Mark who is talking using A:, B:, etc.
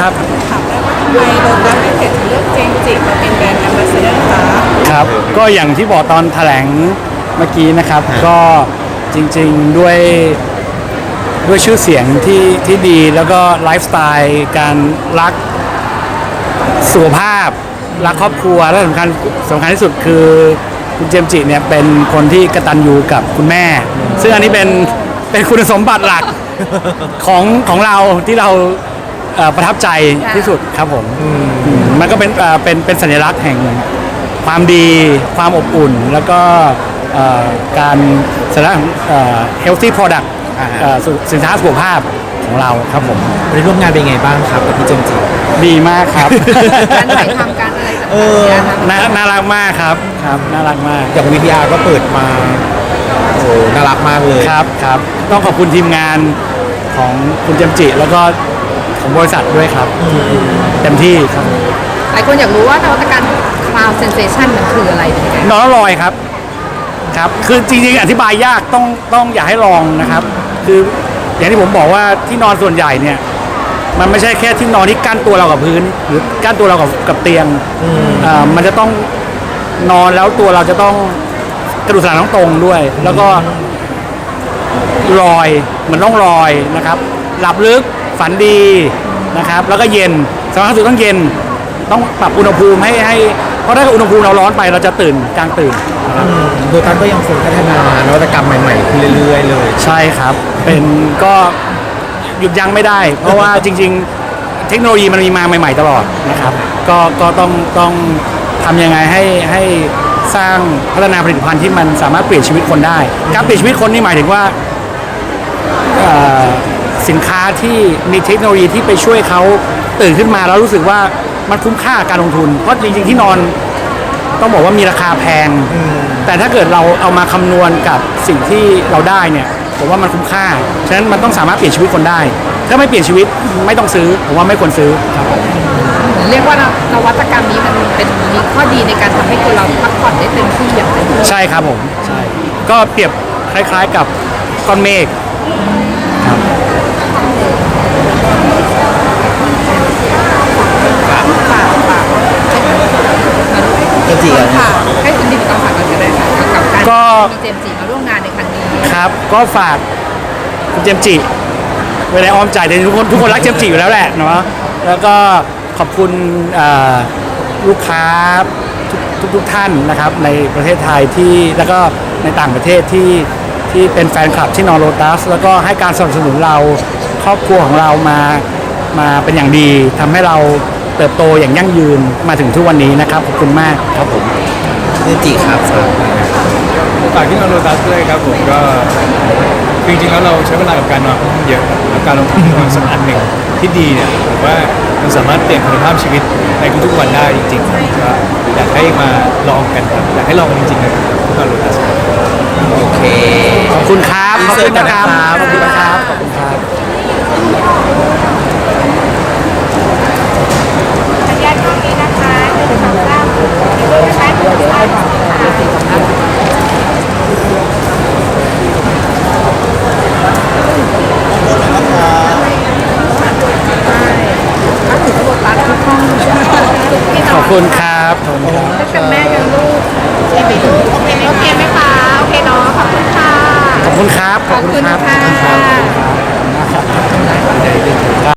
A: ครับ
B: ถามได้ว่าทำไมโลตัสไม่เกิดเลือกเจมส์จิมาเป็นแบรนด์แอมบาสเดอร์คะ
A: ครับก็อย่างที่บอกตอนแถลงเมื่อกี้นะครับก็จริงๆด้วยชื่อเสียงที่ดีแล้วก็ไลฟ์สไตล์การรักสุขภาพรักครอบครัวและสำคัญที่สุดคือคุณเจมส์จิเนี่ยเป็นคนที่กตัญญูกับคุณแม่ซึ่งอันนี้เป็นคุณสมบัติหลักของเราที่เราประทับใจที่สุดครับผมมันก็เป็นสัญลักษณ์แห่งความดีความอบอุ่นแล้วก็การสัญลักษณ์healthy product สินค้าสุขภาพของเราครับผม
C: ได้ร่วมงานเป็นไงบ้างครับกับพี่เจมส์จิ
A: ดีมากครับ
B: การถ่ายทำการอะไรต่าง
A: ๆน่ารักมากครับน่ารักมาก
C: อย่าง VTR ก็เปิดมาโอ้น่ารักมากเลย
A: ครับต้องขอบคุณทีมงานของคุณเจมส์จิแล้วก็ของบริษัทด้วยครับเต็มที่ครับ
B: หลายคนอยากรู้ว่านวัตกรรม Cloud Sensation มันคืออะไรเป็นยังไง
A: นอนแล้วลอยครับคือจริงๆอธิบายยากต้องอยากให้ลองนะครับคืออย่างที่ผมบอกว่าที่นอนส่วนใหญ่เนี่ยมันไม่ใช่แค่ที่นอนที่กั้นตัวเรากับพื้นหรือกั้นตัวเรากับเตียงมันจะต้องนอนแล้วตัวเราจะต้องกระดูกสันหลังต้องตรงด้วยแล้วก็ลอยเหมือนต้องลอยนะครับหลับลึกฝันดีนะครับแล้วก็เย็นสำคัญสุดต้องเย็นต้องปรับอุณหภูมิให้เพราะถ้าอุณหภูมิเราร้อนไปเราจะตื่นกลางตื่นนะครับ
C: โดยการก็ยังคงพัฒนานวัตกรรมใหม่ๆขึ้นเรื่อยๆเลย
A: ใช่ครับเป็นก็หยุดยั้งไม่ได้เพราะว่าจริงๆเทคโนโลยีมันมีมาใหม่ๆตลอดนะครับก็ต้องทำยังไงให้สร้างพัฒนาผลิตภัณฑ์ที่มันสามารถเปลี่ยนชีวิตคนได้การเปลี่ยนชีวิตคนนี่หมายถึงว่าสินค้าที่มีเทคโนโลยีที่ไปช่วยเขาตื่นขึ้นมาแล้วรู้สึกว่ามันคุ้มค่าการลงทุนเพราะจริงๆที่นอนต้องบอกว่ามีราคาแพงแต่ถ้าเกิดเราเอามาคำนวณกับสิ่งที่เราได้เนี่ยผมว่ามันคุ้มค่าฉะนั้นมันต้องสามารถเปลี่ยนชีวิตคนได้ถ้าไม่เปลี่ยนชีวิตไม่ต้องซื้อผมว่าไม่ควรซื้อครับ
B: เรียกว่านวัตกรรมนี้มันมีข้อดีในการทำให้คนเราพักผ่อนได้เต็มที่อย่างเต็มที่
A: ใช่ครับผมใช่ก็เปรียบคล้ายๆกับก้อนเมฆครับ
C: เจมส์จิ
B: ค่ะให้คุณดิบต้องฝากกันก็ได้ค่ะกับการมีเจมส์จิมาร่วมงานในครั้งนี้
A: ครับก็ฝากคุณเจมส์จิไว้ในอ้อมใจแต่ทุกคนรักเจมส์จิอยู่แล้วแหละเนาะแล้วก็ขอบคุณลูกค้าทุกท่านนะครับในประเทศไทยที่แล้วก็ในต่างประเทศที่เป็นแฟนคลับที่นอนโลตัสแล้วก็ให้การสนับสนุนเราครอบครัวของเรามาเป็นอย่างดีทำให้เราเติบโตอย่างยั่งยืนมาถึงทุกวันนี้นะครับขอบคุณมากครับผม
C: เจมส์จิครับ
D: ฝากที่นอนโลตัสด้วยครับผมก็จริงๆแล้วเราใช้เวลากับการนอนเยอะแล้วการลงทุนนอนสักอันหนึ่งที่ดีเนี่ยผมว่ามันสามารถเปลี่ยนคุณภาพชีวิตในทุกๆวันได้จริงๆก็อยากให้มาลองกันครับอยากให้ลองกันจริงๆนะครับที่นอนโลตัส
C: โอเค
A: ขอบคุณครับขอบคุณนะครับขอบคุณนะครับขอบคุณครับ
B: สัญญาณตรงนี้นะคะ1 2 3ใช้ตัวได้ค่ะ
A: ขอบคุณครับขอบคุณครับ
B: กับแม่กับลูกโอเคไหมคะโอเคเนาะขอบคุณค่ะ
A: ขอบคุณครับ
B: ขอบคุณค่ะ